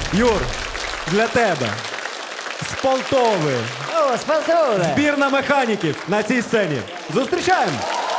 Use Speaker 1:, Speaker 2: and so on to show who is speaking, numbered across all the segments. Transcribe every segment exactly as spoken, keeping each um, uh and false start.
Speaker 1: Юр, для тебе з Полтови
Speaker 2: О, з Полтави.
Speaker 1: збірна механіків на цій сцені. Зустрічаємо!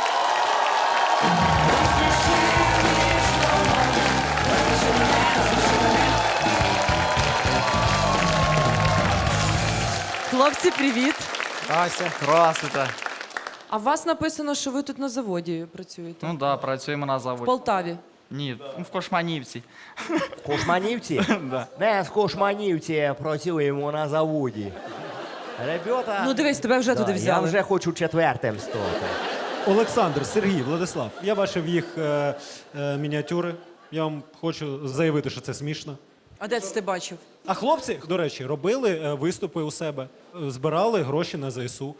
Speaker 3: Хлопці, привіт.
Speaker 4: Ася.
Speaker 5: Здравствуйте.
Speaker 3: А у вас написано, що ви тут на заводі працюєте?
Speaker 5: Ну да, працюємо на
Speaker 3: В
Speaker 5: заводі.
Speaker 3: Полтаві.
Speaker 5: Ні, ну, в Кошманівці.
Speaker 2: Кошманівці?
Speaker 5: Да.
Speaker 2: Не, з Кошманівці працюємо на заводі. Ребята...
Speaker 3: Ну дивись, тебе вже
Speaker 2: Да,
Speaker 3: туди
Speaker 2: я
Speaker 3: взяли.
Speaker 2: вже хочу четвертим стати.
Speaker 1: Олександр, Сергій, Владислав, я бачив їх е, е, мініатюри. Я вам хочу заявити, що це смішно.
Speaker 3: А де це ти бачив?
Speaker 1: А хлопці, до речі, робили е, виступи у себе, е, збирали гроші на ЗСУ.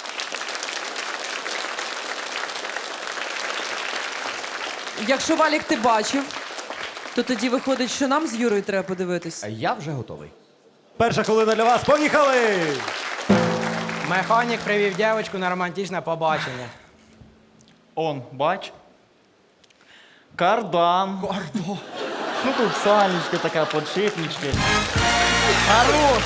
Speaker 3: Якщо Валік ти бачив, то тоді виходить, що нам з Юрою треба подивитись.
Speaker 2: Я вже готовий.
Speaker 1: Перша хвилина для вас. Поїхали!
Speaker 4: Механік привів дівчинку на романтичне побачення.
Speaker 5: Он, бач. Кардан. Кардан. Ну тут сальнички така, подшипнички. Хорош.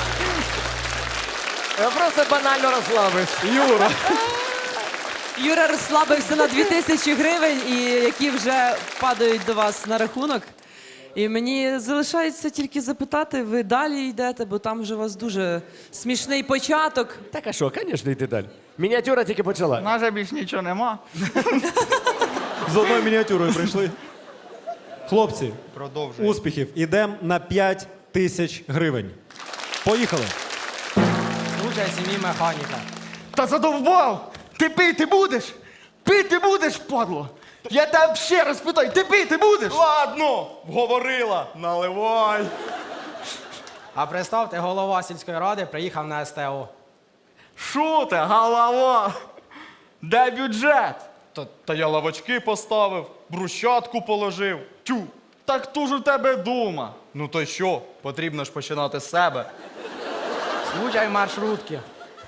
Speaker 2: Я просто банально розслабився.
Speaker 1: Юра!
Speaker 3: Юра розслабився на дві тисячі гривень, і які вже падають до вас на рахунок. І мені залишається тільки запитати, ви далі йдете, бо там вже у вас дуже смішний початок.
Speaker 2: Так а що, звісно, йти далі. Мініатюра тільки почала.
Speaker 5: У нас же більш нічого нема.
Speaker 1: З одною мініатюрою прийшли. Хлопці,
Speaker 5: Продовжуй.
Speaker 1: успіхів. Ідемо на п'ять тисяч гривень. Поїхали.
Speaker 4: Случай сім'ї механіка.
Speaker 6: Та задовбав! Ти пити будеш? Пити будеш, падло? Я тебе ще раз питаю, ти пити будеш?
Speaker 5: Ладно, говорила, наливай.
Speaker 4: А представте, голова сільської ради приїхав на СТО.
Speaker 5: Шо ти, голова? Де бюджет? Та, та я лавочки поставив, брусчатку положив. Тю, так ту ж у тебе дума. Ну то що, потрібно ж починати з себе.
Speaker 4: Случай маршрутки.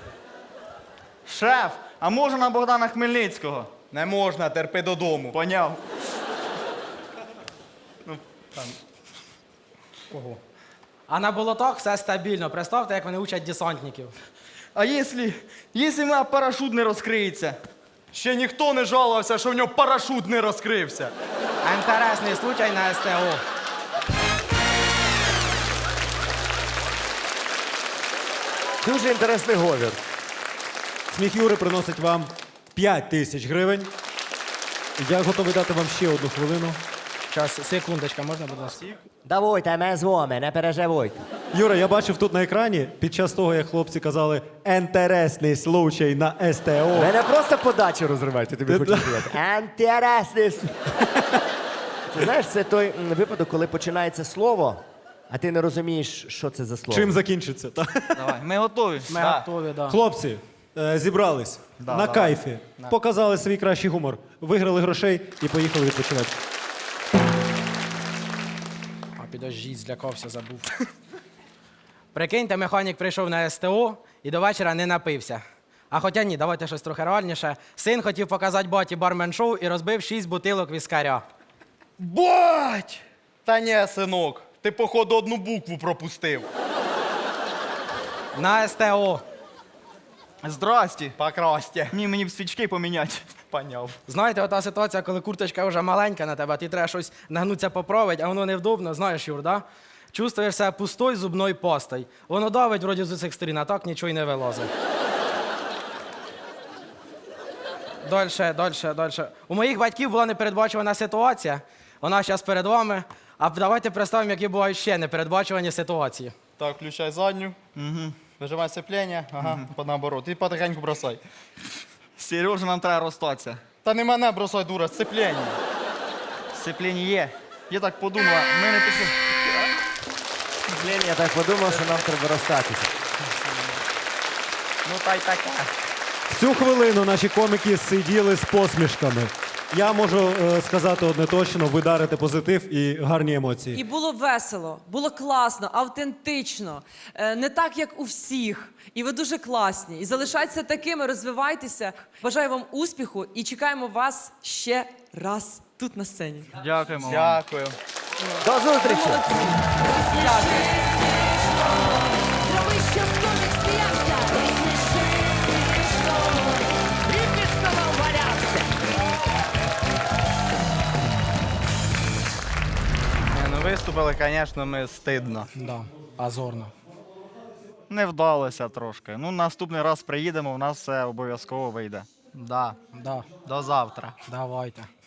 Speaker 5: Шеф, а можна на Богдана Хмельницького?
Speaker 6: Не можна, терпи додому.
Speaker 5: Поняв.
Speaker 4: Кого? А на болотах все стабільно. Представте, як вони учать десантників.
Speaker 5: А якщо, якщо в мене парашут не розкриється? Ще ніхто не жалувався, що в нього парашут не розкрився.
Speaker 4: Інтересний случай на СТО.
Speaker 2: Дуже інтересний говір.
Speaker 1: Сміх Юри приносить вам п'ять тисяч гривень. Я готовий дати вам ще одну хвилину.
Speaker 4: Зараз, секундочка, можна, будь ласка?
Speaker 2: Давайте, ми з вами, не переживайте.
Speaker 1: Юра, я бачив тут на екрані, під час того, як хлопці казали «інтересний случай на СТО».
Speaker 2: Ви не просто подачу розриваєте, тобі хочу сказати. Інтересний. с- Ти знаєш, це той м, випадок, коли починається слово, а ти не розумієш, що це за слово.
Speaker 1: Чим закінчиться? Та?
Speaker 5: Давай, ми готові.
Speaker 4: Ми
Speaker 5: Да.
Speaker 4: готові, да.
Speaker 1: Хлопці, е, зібрались на кайфі, показали свій кращий гумор, виграли грошей і поїхали відпочивати.
Speaker 4: А підождіть, злякався, забув. Прикиньте, механік прийшов на СТО і до вечора не напився. А хоча ні, давайте щось трохи реальніше. Син хотів показати баті бармен-шоу і розбив шість бутилок віскаря.
Speaker 6: Бать! Та ні, синок, ти, походу, одну букву пропустив.
Speaker 4: На СТО.
Speaker 5: Здрасті.
Speaker 6: Покрасьте.
Speaker 5: Ні, мені б свічки поміняти.
Speaker 6: Поняв.
Speaker 4: Знаєте, ота ситуація, коли курточка вже маленька на тебе, а ти треба щось нагнутися поправити, а воно невдобно, знаєш, Юр, да? Чувствуєш себе пустой зубною пастою. Воно давить вроді з усіх сторін, а так нічого й не вилазить. Дальше, дальше, дальше. У моїх батьків була непередбачувана ситуація. Вона зараз перед вами. А давайте представимо, які бувають ще непередбачувані ситуації.
Speaker 6: Так, включай задню. Угу. Вижимай сцеплення. Ага, по наоборот. І потихеньку бросай.
Speaker 5: Сережа, нам треба розстатися.
Speaker 6: Та не мене бросай, дура, сцеплення.
Speaker 5: Сцепління є. Я так подумала, ми не пішли.
Speaker 2: Блін, я так подумав, що нам треба розстатися.
Speaker 6: Ну та й таке.
Speaker 1: Всю хвилину наші коміки сиділи з посмішками. Я можу е, сказати одне точно, ви дарите позитив і гарні емоції.
Speaker 3: І було весело, було класно, автентично, е, не так, як у всіх. І ви дуже класні. І залишайтеся такими, розвивайтеся. Бажаю вам успіху і чекаємо вас ще раз тут на сцені.
Speaker 5: Дякуємо вам.
Speaker 6: Дякую.
Speaker 2: До зустрічі!
Speaker 3: Дякую.
Speaker 5: Ну, виступили, звісно, ми стидно.
Speaker 4: Да, позорно.
Speaker 5: Не вдалося трошки. Ну, наступний раз приїдемо, у нас все обов'язково вийде.
Speaker 7: Да.
Speaker 4: Да,
Speaker 7: До завтра.
Speaker 4: давайте.